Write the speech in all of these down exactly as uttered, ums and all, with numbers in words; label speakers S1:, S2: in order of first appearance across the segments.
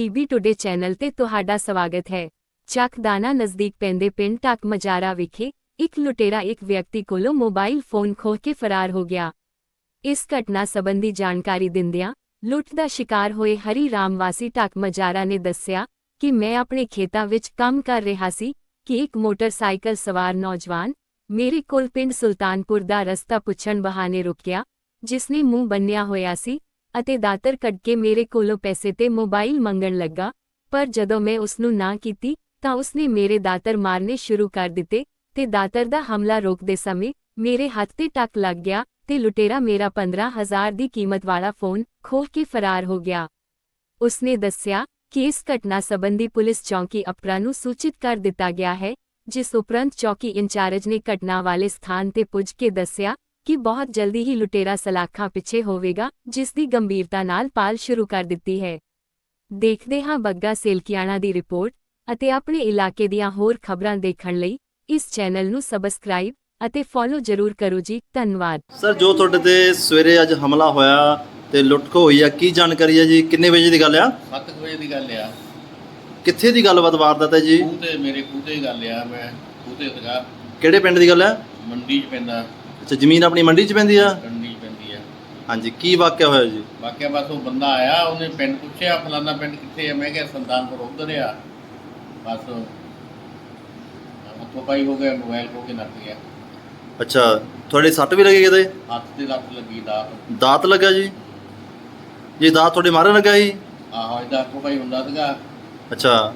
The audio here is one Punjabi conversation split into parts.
S1: ਪੀਬੀ ਟੁਡੇ ਚੈਨਲ ਤੇ ਤੁਹਾਡਾ ਸਵਾਗਤ ਹੈ। ਚੱਕਦਾਨਾ ਨਜ਼ਦੀਕ ਪੈਂਦੇ ਪਿੰਡ ਟੱਕ ਮਜਾਰਾ ਵਿਖੇ ਇੱਕ ਲੁਟੇਰਾ ਇੱਕ ਵਿਅਕਤੀ ਕੋਲੋਂ ਮੋਬਾਈਲ ਫੋਨ ਖੋਹ ਕੇ ਫਰਾਰ ਹੋ ਗਿਆ। ਇਸ ਘਟਨਾ ਸੰਬੰਧੀ ਜਾਣਕਾਰੀ ਦਿੰਦਿਆਂ ਲੁੱਟ ਦਾ ਸ਼ਿਕਾਰ ਹੋਏ ਹਰੀ ਰਾਮ ਵਾਸੀ ਟੱਕ ਮਜਾਰਾ ਨੇ ਦੱਸਿਆ ਕਿ ਮੈਂ ਆਪਣੇ ਖੇਤਾਂ ਵਿੱਚ ਕੰਮ ਕਰ ਰਿਹਾ ਸੀ ਕਿ ਇੱਕ ਮੋਟਰਸਾਈਕਲ ਸਵਾਰ ਨੌਜਵਾਨ ਮੇਰੇ ਕੋਲ ਪਿੰਡ ਸੁਲਤਾਨਪੁਰ ਦਾ ਰਸਤਾ ਪੁੱਛਣ ਬਹਾਨੇ ਰੁਕਿਆ, ਜਿਸਨੇ ਮੂੰਹ ਬੰਨਿਆ ਹੋਇਆ ਸੀ ਅਤੇ ਦਾਤਰ ਕੱਢ ਕੇ ਮੇਰੇ ਕੋਲੋਂ ਪੈਸੇ ਤੇ ਮੋਬਾਈਲ ਮੰਗਣ ਲੱਗਾ। ਪਰ ਜਦੋਂ ਮੈਂ ਉਸਨੂੰ ਨਾ ਕੀਤੀ ਤਾਂ ਉਸਨੇ ਮੇਰੇ ਦਾਤਰ ਮਾਰਨੇ ਸ਼ੁਰੂ ਕਰ ਦਿੱਤੇ ਤੇ ਦਾਤਰ ਦਾ ਹਮਲਾ ਰੋਕਦੇ ਸਮੇਂ ਮੇਰੇ ਹੱਥ ਤੇ ਟੱਕ ਲੱਗ ਗਿਆ ਤੇ ਲੁਟੇਰਾ ਮੇਰਾ ਪੰਦਰਾਂ ਹਜ਼ਾਰ ਦੀ ਕੀਮਤ ਵਾਲਾ ਫੋਨ ਖੋਹ ਕੇ ਫਰਾਰ ਹੋ ਗਿਆ। ਉਸਨੇ ਦੱਸਿਆ ਕਿ ਇਸ ਘਟਨਾ ਸੰਬੰਧੀ ਪੁਲਿਸ ਚੌਕੀ ਅਪਰਾ ਨੂੰ ਸੂਚਿਤ ਕਰ ਦਿੱਤਾ ਗਿਆ ਹੈ, ਜਿਸ ਉਪਰੰਤ ਚੌਕੀ ਇੰਚਾਰਜ ਨੇ ਘਟਨਾ ਵਾਲੇ ਸਥਾਨ ਤੇ ਪੁੱਜ ਕੇ ਦੱਸਿਆ ਕਿ ਬਹੁਤ ਜਲਦੀ ਹੀ ਲੁਟੇਰਾ ਸਲਾਖਾਂ ਪਿੱਛੇ ਹੋਵੇਗਾ, ਜਿਸ ਦੀ ਗੰਭੀਰਤਾ ਨਾਲ ਪਾਲ ਸ਼ੁਰੂ ਕਰ ਦਿੱਤੀ ਹੈ। ਦੇਖਦੇ ਹਾਂ ਬੱਗਾ ਸੇਲਕੀਆਣਾ ਦੀ ਰਿਪੋਰਟ ਅਤੇ ਆਪਣੇ ਇਲਾਕੇ ਦੀਆਂ ਹੋਰ ਖਬਰਾਂ ਦੇਖਣ ਲਈ ਇਸ ਚੈਨਲ ਨੂੰ ਸਬਸਕ੍ਰਾਈਬ ਅਤੇ ਫੋਲੋ ਜ਼ਰੂਰ ਕਰੋ ਜੀ। ਧੰਨਵਾਦ।
S2: ਸਰ, ਜੋ ਤੁਹਾਡੇ ਤੇ ਸਵੇਰੇ ਅੱਜ ਹਮਲਾ ਹੋਇਆ ਤੇ ਲੁੱਟ ਖੋਹ ਹੋਈ ਆ, ਕੀ ਜਾਣਕਾਰੀ ਹੈ ਜੀ? ਕਿੰਨੇ ਵਜੇ ਦੀ ਗੱਲ ਆ?
S3: ਸੱਤ ਵਜੇ ਦੀ ਗੱਲ ਆ।
S2: ਕਿੱਥੇ ਦੀ ਗੱਲਬਾਤ ਵਾਰਦਾਤ ਹੈ ਜੀ?
S3: ਖੂਹ ਤੇ ਮੇਰੇ ਖੂਹ ਤੇ ਹੀ ਗੱਲ ਆ। ਮੈਂ ਖੂਹ ਤੇ ਸੀਗਾ।
S2: ਕਿਹੜੇ ਪਿੰਡ ਦੀ ਗੱਲ ਹੈ?
S3: ਮੰਡੀ 'ਚ ਪੈਂਦਾ।
S2: ਅੱਛਾ, ਜ਼ਮੀਨ ਆਪਣੀ ਮੰਡੀ 'ਚ ਪੈਂਦੀ ਆ?
S3: ਮੰਡੀ 'ਚ ਪੈਂਦੀ ਆ।
S2: ਹਾਂਜੀ, ਕੀ ਵਾਕਿਆ ਹੋਇਆ ਜੀ?
S3: ਵਾਕਿਆ ਬਸ ਉਹ ਬੰਦਾ ਆਇਆ, ਉਹਨੇ ਪਿੰਡ ਪੁੱਛਿਆ ਫਲਾਨਾ ਪਿੰਡ ਕਿੱਥੇ ਆ। ਮੈਂ ਕਿਹਾ ਸੁਲਤਾਨਪੁਰ ਉੱਧਰ ਆ। ਬਸ ਹੱਥੋਂ ਪਾਈ ਹੋ ਗਿਆ, ਮੋਬਾਈਲ ਖੋਹ ਕੇ ਨੱਠ ਗਿਆ।
S2: ਅੱਛਾ, ਤੁਹਾਡੇ ਸੱਟ ਵੀ ਲੱਗੀ ਕਿਤੇ?
S3: ਹੱਥ ਤੇ ਲੱਤ ਲੱਗੀ, ਦਾਤ
S2: ਦਾਤ ਲੱਗਾ ਜੀ? ਜੀ ਦਾਤ ਤੁਹਾਡੇ ਮਾਰਨ ਲੱਗਾ ਜੀ?
S3: ਆਹੋ, ਇਹਦਾ ਹੱਥੋਂ ਪਾਈ ਹੁੰਦਾ ਸੀਗਾ।
S2: ਅੱਛਾ,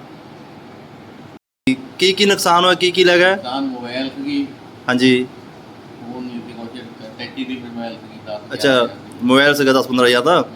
S2: ਕੀ ਕੀ ਨੁਕਸਾਨ ਹੋਇਆ, ਕੀ ਕੀ ਲੱਗਾ?
S3: ਨੁਕਸਾਨ ਮੋਬਾਈਲ ਸੀਗੀ।
S2: ਹਾਂਜੀ।
S3: ਉਹ ਨਹੀਂ ਸੀ ਕੁਛ, ਟੈਚੀ ਦੀ ਮੋਬਾਈਲ ਸੀਗੀ। ਦਸ
S2: ਅੱਛਾ, ਮੋਬਾਈਲ ਸੀਗਾ ਦਸ ਪੰਦਰਾਂ ਹਜ਼ਾਰ ਦਾ।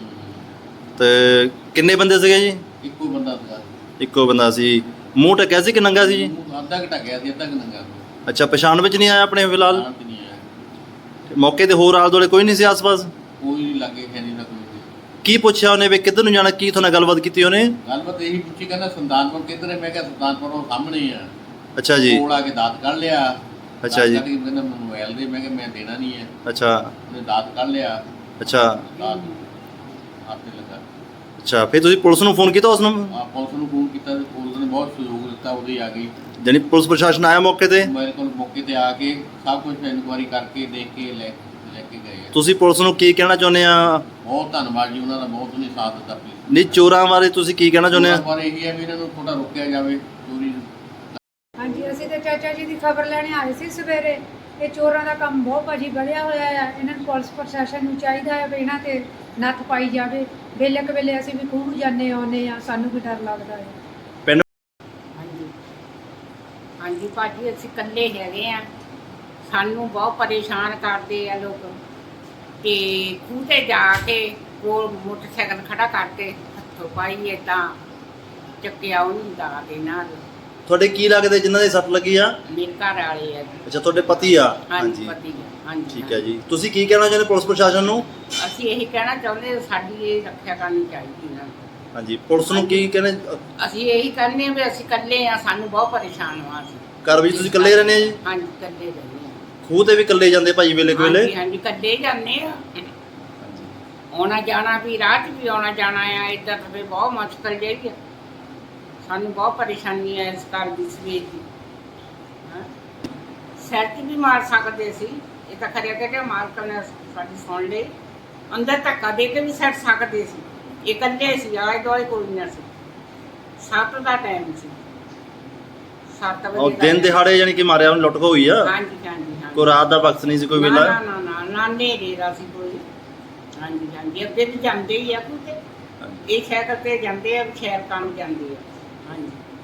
S2: ਤੇ ਕਿੰਨੇ ਬੰਦੇ ਸੀਗੇ ਜੀ?
S3: ਇੱਕੋ ਬੰਦਾ ਸੀਗਾ।
S2: ਇੱਕੋ ਬੰਦਾ ਸੀ। ਮੂੰਹ ਢੱਕਿਆ ਸੀ ਕਿ ਨੰਗਾ ਸੀ ਜੀ?
S3: ਅੱਧਾ ਕੁ ਢੱਕਿਆ ਸੀ, ਅੱਧਾ ਕੁ ਨੰਗਾ।
S2: ਅੱਛਾ, ਪਛਾਣ ਵਿੱਚ ਨਹੀਂ ਆਇਆ ਆਪਣੇ ਫਿਲਹਾਲ?
S3: ਪਛਾਣ 'ਚ ਨਹੀਂ ਆਇਆ।
S2: ਮੌਕੇ ਤੇ ਹੋਰ ਆਲੇ ਦੁਆਲੇ ਕੋਈ ਨਹੀਂ ਸੀ ਆਸ-ਪਾਸ?
S3: ਕੋਈ ਨਹੀਂ ਲੱਗੇ, ਖੈਰੀ ਨਾ ਕੋਈ ਨਹੀਂ।
S2: ਕੀ ਪੁੱਛਿਆ ਉਹਨੇ ਵੀ ਕਿੱਧਰ ਨੂੰ ਜਾਣਾ? ਕੀ ਤੁਹਾਡੇ ਨਾਲ ਗੱਲਬਾਤ ਕੀਤੀ ਉਹਨੇ?
S3: ਗੱਲਬਾਤ ਇਹੀ ਪੁੱਛੀ, ਕਹਿੰਦਾ ਸੁਲਤਾਨਪੁਰ ਕਿੱਧਰ ਹੈ। ਮੈਂ ਕਿਹਾ ਸੁਲਤਾਨਪੁਰ ਉਹ ਸਾਹਮਣੇ ਹੀ ਆ।
S2: ਅੱਛਾ ਜੀ।
S3: ਕੋਲ ਆ ਕੇ ਦਾਤ ਕੱਢ ਲਿਆ।
S2: ਅੱਛਾ ਜੀ।
S3: ਕਹਿੰਦਾ ਮੈਨੂੰ ਮੋਬਾਈਲ ਦੇ। ਮੈਂ ਕਿਹਾ ਮੈਂ ਦੇਣਾ ਨਹੀਂ ਹੈ।
S2: ਅੱਛਾ।
S3: ਉਹਨੇ ਦਾਤ ਕੱਢ ਲਿਆ।
S2: ਅੱਛਾ।
S3: ਦਾਤ ਹੱਥ ਤੇ ਲੱਗਾ।
S2: ਅੱਛਾ, ਫਿਰ ਤੁਸੀਂ ਪੁਲਿਸ ਨੂੰ ਫੋਨ ਕੀਤਾ? ਉਸ ਨੂੰ
S3: ਆ ਪੁਲਿਸ ਨੂੰ ਫੋਨ ਕੀਤਾ ਤੇ ਪੁਲਿਸ ਨੇ ਬਹੁਤ ਸਹਿਯੋਗ ਦਿੱਤਾ। ਉਹਦੇ ਆ ਗਈ,
S2: ਜਾਨੀ ਪੁਲਿਸ ਪ੍ਰਸ਼ਾਸਨ ਆਇਆ ਮੌਕੇ ਤੇ?
S3: ਮੇਰੇ ਕੋਲ ਮੌਕੇ ਤੇ ਆ ਕੇ ਸਭ ਕੁਝ ਇਨਕੁਆਇਰੀ ਕਰਕੇ ਦੇਖ ਕੇ ਲੈ ਲੈ ਕੇ ਗਏ ਆ।
S2: ਤੁਸੀਂ ਪੁਲਿਸ ਨੂੰ ਕੀ ਕਹਿਣਾ ਚਾਹੁੰਦੇ ਆ?
S3: ਬਹੁਤ ਧੰਨਵਾਦ ਜੀ, ਉਹਨਾਂ ਦਾ ਬਹੁਤ ਉਹਨੇ ਸਾਥ ਦਿੱਤਾ। ਪਲੀਜ਼
S2: ਨਹੀਂ, ਚੋਰਾਂ ਬਾਰੇ ਤੁਸੀਂ ਕੀ ਕਹਿਣਾ ਚਾਹੁੰਦੇ ਆ?
S3: ਪਰ ਇਹੀ ਹੈ ਵੀ ਇਹਨਾਂ ਨੂੰ ਥੋੜਾ ਰੋਕਿਆ ਜਾਵੇ ਚੋਰੀ ਨੂੰ।
S4: ਹਾਂਜੀ, ਅਸੀਂ ਤਾਂ ਚਾਚਾ ਜੀ ਦੀ ਖਬਰ ਲੈਣੇ ਆਏ ਸੀ ਸਵੇਰੇ। ਇਹ ਚੋਰਾਂ ਦਾ ਕੰਮ ਬਹੁਤ ਭਾਜੀ ਵਧਿਆ ਹੋਇਆ ਆ। ਇਹਨਾਂ ਨੂੰ ਪੁਲਿਸ ਪ੍ਰਸ਼ਾਸਨ ਨੂੰ ਚਾਹੀਦਾ ਹੈ ਵੀ ਇਹਨਾਂ ਤੇ ਨੱਥ ਪਾਈ ਜਾਵੇ। ਵੇਲੇ ਕੁ ਵੇਲੇ ਅਸੀਂ ਵੀ ਖੂਹ ਜਾਂਦੇ ਆਉਂਦੇ ਆ, ਸਾਨੂੰ ਵੀ ਡਰ ਲੱਗਦਾ ਹੈ।
S2: ਪਿੰਡ
S5: ਹਾਂਜੀ ਹਾਂਜੀ ਭਾਜੀ, ਅਸੀਂ ਇਕੱਲੇ ਹੈਗੇ ਆ। ਸਾਨੂੰ ਬਹੁਤ ਪਰੇਸ਼ਾਨ ਕਰਦੇ ਆ ਲੋਕ। ਤੇ ਖੂਹ ਤੇ ਜਾ ਕੇ ਕੋਲ ਮੋਟਰਸਾਈਕਲ ਖੜਾ ਕਰਕੇ ਹੱਥੋਂ ਪਾਈ ਏਦਾਂ ਚੱਕਿਆ ਉਹਨੂੰ ਦਾ ਦੇ ਨਾਲ।
S2: ਤੁਹਾਡੇ ਕੀ ਲੱਗਦੇ ਜਿਨ੍ਹਾਂ ਦੇ ਸੱਟ ਲੱਗੀ ਆ?
S5: ਮੇਰੇ ਘਰ ਵਾਲੇ ਆ ਜੀ।
S2: ਅੱਛਾ, ਤੁਹਾਡੇ ਪਤੀ ਆ?
S5: ਹਾਂਜੀ, ਪਤੀ ਆ। ਹਾਂਜੀ,
S2: ਠੀਕ ਹੈ ਜੀ। ਤੁਸੀਂ ਕੀ ਕਹਿਣਾ ਚਾਹੁੰਦੇ ਪੁਲਿਸ ਪ੍ਰਸ਼ਾਸਨ ਨੂੰ?
S5: ਅਸੀਂ ਇਹੀ ਕਹਿਣਾ ਚਾਹੁੰਦੇ, ਸਾਡੀ ਇਹ ਰੱਖਿਆ ਕਰਨੀ ਚਾਹੀਦੀ ਇਹਨਾਂ ਨੂੰ।
S2: ਹਾਂਜੀ, ਪੁਲਿਸ ਨੂੰ ਕੀ ਕਹਿੰਦੇ?
S5: ਅਸੀਂ ਇਹੀ ਕਹਿੰਦੇ ਵੀ ਅਸੀਂ ਇਕੱਲੇ ਆ, ਸਾਨੂੰ ਬਹੁਤ ਪਰੇਸ਼ਾਨ ਹਾਂ ਅਸੀਂ।
S2: ਘਰ ਵਿੱਚ ਤੁਸੀਂ ਇਕੱਲੇ ਰਹਿੰਦੇ ਆ ਜੀ?
S5: ਹਾਂਜੀ, ਇਕੱਲੇ ਰਹਿੰਦੇ ਆ।
S2: ਖੂਹ ਤੇ ਵੀ ਇਕੱਲੇ ਜਾਂਦੇ ਭਾਈ ਵੇਲੇ ਕੋਲੇ?
S5: ਹਾਂਜੀ ਹਾਂਜੀ, ਇਕੱਲੇ ਜਾਂਦੇ ਆ। ਆਉਣਾ ਜਾਣਾ ਵੀ, ਰਾਹ 'ਚ ਵੀ ਆਉਣਾ ਜਾਣਾ ਆ। ਇੱਦਾਂ ਤਾਂ ਫਿਰ ਬਹੁਤ ਮੁਸ਼ਕਲ ਜਿਹੀ ਆ। ਸਾਨੂੰ ਬਹੁਤ ਪਰੇਸ਼ਾਨੀ ਹੈ ਇਸ ਘਰ ਦੀ ਸਵੇਰ ਦੀ। ਹਾਂ, ਸਿਰ 'ਚ ਵੀ ਮਾਰ ਸਕਦੇ ਸੀ। ਇਹ ਤਾਂ ਖਰਿਆ ਕਿ ਮਾਲਕ ਨੇ ਸਾਡੀ ਸੁਣ ਲਈ। ਅੰਦਰ ਧੱਕਾ ਦੇ ਕੇ ਵੀ ਸੱਟ ਸਕਦੇ ਸੀ। ਇਹ ਇਕੱਲੇ ਸੀ, ਆਲੇ ਦੁਆਲੇ ਕੋਈ ਨਾ ਸੀ। ਸੱਤ ਦਾ ਟਾਈਮ ਸੀ। ਸੱਤ ਵਜੇ
S2: ਉਹ ਦਿਨ ਦਿਹਾੜੇ ਯਾਨੀ ਕਿ ਮਾਰਿਆ ਉਹਨੂੰ, ਲੁੱਟ ਖੋਹ ਹੋਈ ਆ?
S5: ਹਾਂਜੀ ਹਾਂਜੀ ਹਾਂਜੀ।
S2: ਕੋਈ ਰਾਤ ਦਾ ਵਕਤ ਨਹੀਂ ਸੀ ਕੋਈ ਵੇਲਾ?
S5: ਨਾ ਨਾ ਨਾ ਨਾ, ਨੇਰੇ ਦਾ ਸੀ ਕੋਈ। ਹਾਂਜੀ ਹਾਂਜੀ, ਅੱਗੇ ਵੀ ਜਾਂਦੇ ਹੀ ਆ ਕਿਉਂਕਿ ਇਹ ਸਾਈਕਲ ਤੇ ਜਾਂਦੇ ਆ, ਸ਼ਹਿਰ ਕੰਮ ਜਾਂਦੇ ਆ। ਹਾਂਜੀ।